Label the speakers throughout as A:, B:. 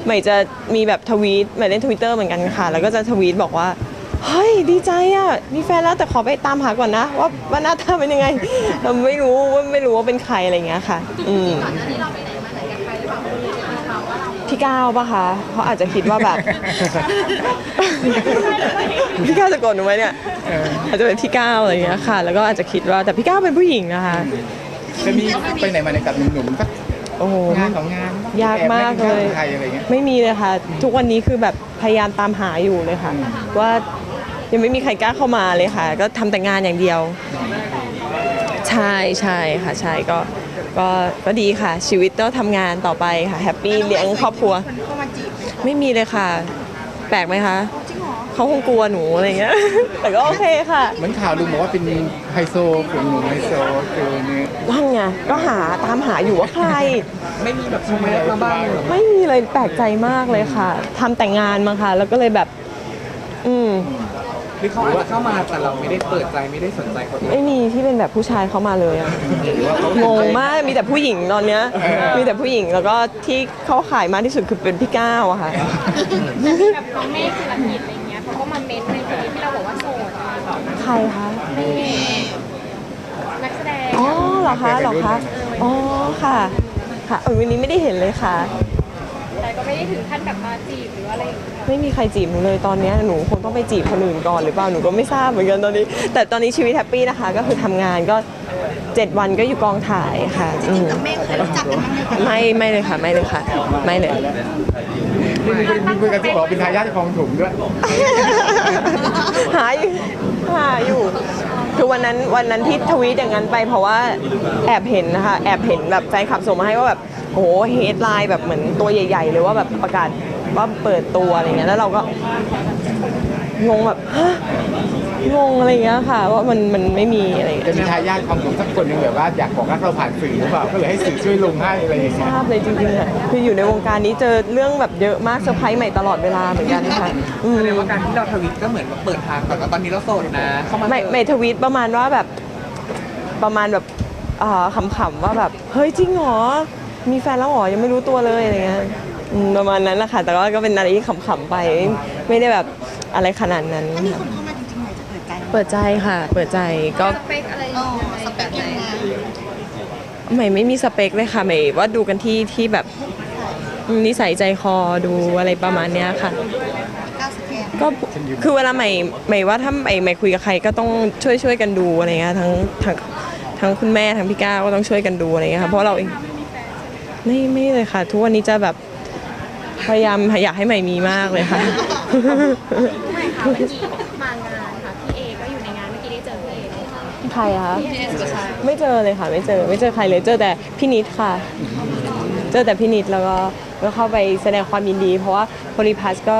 A: ใหม่จะมีแบบทวีตใหม่เล่น Twitter เหมือนกันค่ะแล้วก็จะทวีตบอกว่าเฮ้ยดีใจอ่ะมีแฟนแล้วแต่ขอไปตามหาก่อนนะว่าหน้าตาเป็นยังไงเราไม่รู้ว่าเป็นใครอะไรเงี้ยค่ะพี่ก้าวปะคะเขาอาจจะคิดว่าแบบ พี่ก้าวจะโกรธหนูไหมเนี่ยอาจจะเป็นพี่ก้าวอะไรเงี้ยค่ะแล้วก็อาจจะคิดว่าแต่พี่ก้าวเป็นผู้หญิงนะคะ
B: จะมีไปไหนมาไหนกับหนุ่มๆสัก
A: โอ้โห
B: งานของงาน
A: ยากมากเลยไม่มีเลยค่ะทุกวันนี้คือแบบพยายามตามหาอยู่เลยค่ะว่ายังไม่มีใครกล้าเข้ามาเลยค่ะก็ทำแต่งานอย่างเดียวใช่ค่ะใช่ก็ดีค่ะชีวิตก็ทำงานต่อไปค่ะแฮปปี้เลี้ยงครอบครัวไม่มีเลยค่ะแปลกไหมคะเขาคงกลัวหนูอะไรเงี้ยแต่ก็โอเคค่ะ
B: เหมือนข่าวลือบอกว่าเป็นไฮโซผู้หนุ่มไฮโซคือเนี่ย
A: ว่างไงก็ตามหาอยู่ว่าใคร
B: ไม่มีแบบชมแมสมาบ้าง
A: ไม่มีเลยแปลกใจมากเลยค่ะทำแต่งงานมาค่ะแล้วก็เลยแบบ
B: หรือเขาอาจจะเข้ามาแต่เราไม่ได้เปิดใจไม่ได้สนใจเขา
A: ไม่มีที่เป็นแบบผู้ชายเข้ามาเลยอะงงมากมีแต่ผู้หญิงตอนเนี้ยมีแต่ผู้หญิงแล้วก็ที่เขาขายมากที่สุดคือเป็นพี่ก้าวอะค่ะ
C: แบบน้องเมฆศิลปินอะไรเงี้ยเขาก็มาเม้นในเพจที่เราบอกว่าโสด
A: ใครคะ
C: นักแสดง
A: อ๋อเหรอคะอ๋อค่ะวันนี้ไม่ได้เห็นเลยค่ะ
C: แต่ก็ไม่ได้ถึงขั้นแบบมาจีบหรืออะไรอย่างเงี้ย
A: ไม่มีใครจีบหนูเลยตอนนี้หนูคงต้องไปจีบคนอื่นก่อนหรือเปล่าหนูก็ไม่ทราบเหมือนกันตอนนี้แต่ตอนนี้ชีวิตแฮปปี้นะคะก็คือทำงานก็7 วันก็อยู่กองถ่ายค่ะ
D: จริงๆกับเมฆเคยรู้จักกันบ้างไหมคะ
A: ไม่เลยค่ะไม่เลย
B: มีคุยกันที่บอกเป็นทายาทของถุงด้วย
A: หาอยู่คือวันนั้นที่ทวีตอย่างนั้นไปเพราะว่าแอบเห็นนะคะแอบเห็นแบบแฟนคลับส่งมาให้ว่าแบบโอ้โหเฮดไลน์แบบเหมือนตัวใหญ่ๆเลยว่าแบบประกาศว่าเปิดตัวอะไรเงี้ยแล้วเราก็งงแบบงงอะไรเงี้ยค่ะว่ามันไม่มีอะไร
B: จะมีทายาทของถุงสักคนหนึ่งแบบว่าอยากบอกรักเราผ่านสื่อหรือเปล่าก็เลยให้สื่อช่วยลงให้อะไรอย่างเงี้ย
A: ทราบเลยจริงๆอ่ะคืออยู่ในวงการนี้เจอเรื่องแบบเยอะมากเซอร์ไพรส์ใหม่ตลอดเวลาเหมือนกันค่ะ
B: แสดงว่าการที่เราทวิตก็เหมือนเปิดทางก่อนว่าตอนนี้เราโสดนะเข้ามา
A: ไม่ทวีตประมาณว่าแบบขำๆว่าแบบเฮ้ยจริงเหรอมีแฟนแล้วเหรอยังไม่รู้ตัวเลยอะไรเงี้ยประมาณนั้นแหละค่ะแต่ว่าก็เป็นอะไรที่ขำๆไปไม่ได้แบบอะไรขนาดนั้น
D: ถ้ามีคนเข้ามาจริงๆใหม่จะเปิดใจ
A: เปิดใจค่ะเปิดใจก็
C: สเปคอะไร
D: สเปคยังไง
A: ไม่มีสเปคเลยค่ะไม่ว่าดูกันที่แบบนิสัยใจคอดูอะไรประมาณเนี้ยค่ะก็คือเวลาใหม่ว่าถ้าใหม่คุยกับใครก็ต้องช่วยกันดูอะไรเงี้ยทั้งคุณแม่ทั้งพี่ก้าวก็ต้องช่วยกันดูอะไรเงี้ยค่ะเพราะเราเองไม่เลยค่ะทุกวันนี้จะแบบพยายามอยากให้ใหม่มีมากเลยค่ะ
C: ไม่ค่ะเมื่อกี้มางานค่ะพี่เอก็อยู่ในงานเมื่อกี้ได้เจอพี่เอ
A: ใครคะไม่เจอเลยค่ะไม่เจอใครเลยเจอแต่พี่นิดค่ะเจอแต่พี่นิดแล้วก็เข้าไปแสดงความยินดีเพราะว่าโพลีพัสก็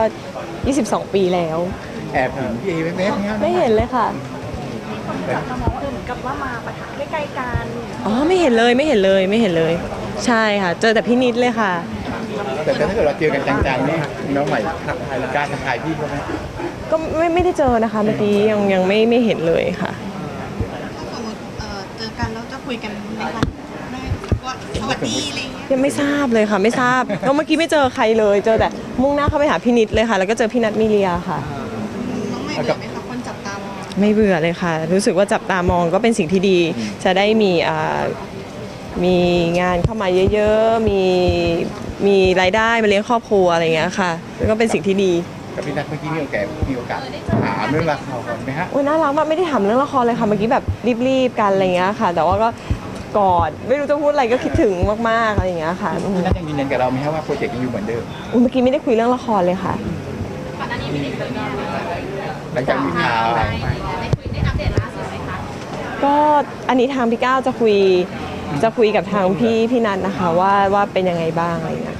A: 22 ปีแล้ว
B: แอบเห็นพี่
A: ไม่เห็นเลยค่ะ
C: จับตามองว่าเหมือนกับว่ามาปะทะใกล้ๆกัน
A: อ๋อไม่เห็นเลยใช่ค่ะเจอแต่พี่นิดเลยค่ะ
B: แต่ถ้าเกิดเราเจอกันจังๆนี่น้องใหม่ทักทายการทักทายพี่เขาไหม
A: ก็ไม่ได้เจอนะคะเมื่อกี้ยังไม่เห็นเลยค่ะ
D: ถ้าสมมติเจอกันแล้วจะคุยกันในวันได้ว่าสวัสดีอะไรเงี้ย
A: ยังไม่ทราบเลยค่ะไม่ทราบก็เมื่อกี้ไม่เจอใครเลยเจอแต่มุ่งหน้าเข้าไปหาพี่นิดเลยค่ะแล้วก็เจอพี่นัทมิเลียค่ะ
D: น้องใหม่เบื่อไหมคะคนจับตามอง
A: ไม่เบื่อเลยค่ะรู้สึกว่าจับตามองก็เป็นสิ่งที่ดีจะได้มีงานเข้ามาเยอะๆมีรายได้มาเลี้ยงครอบครัวอะไรเงี้ยค่ะแล้วก็เป็นสิ่งที่ดี
B: กับพี่นัทเมื่อกี้มีโอกาสถามเรื่องละครก่อนไหมฮะ
A: โอ้ยน่ารักมากไม่ได้ถามเรื่องละครเลยค่ะเมื่อกี้แบบรีบกันอะไรเงี้ยค่ะแต่ว่าก็กอดไม่รู้จะพูดอะไรก็คิดถึงมากๆอะไรอย่างเงี้ยค่ะ
B: พี่นัทยังยืนยันกับเราไหมครับว่าโปรเจกต์ยังอยู่เหมือนเดิม
A: เมื่อกี้ไม่ได้คุยเรื่องละครเลยค่ะ
C: ก่อนหน้านี้ไม่ได้คุยกัน
B: หลังจากมีข่าว
C: ได้อัปเดตล่าสุดไหมคะ
A: ก็อันนี้ทางพี่ก้าวจะคุยกับทางพี่นัทนะคะว่าเป็นยังไงบ้างอะไรอย่างเงี้ย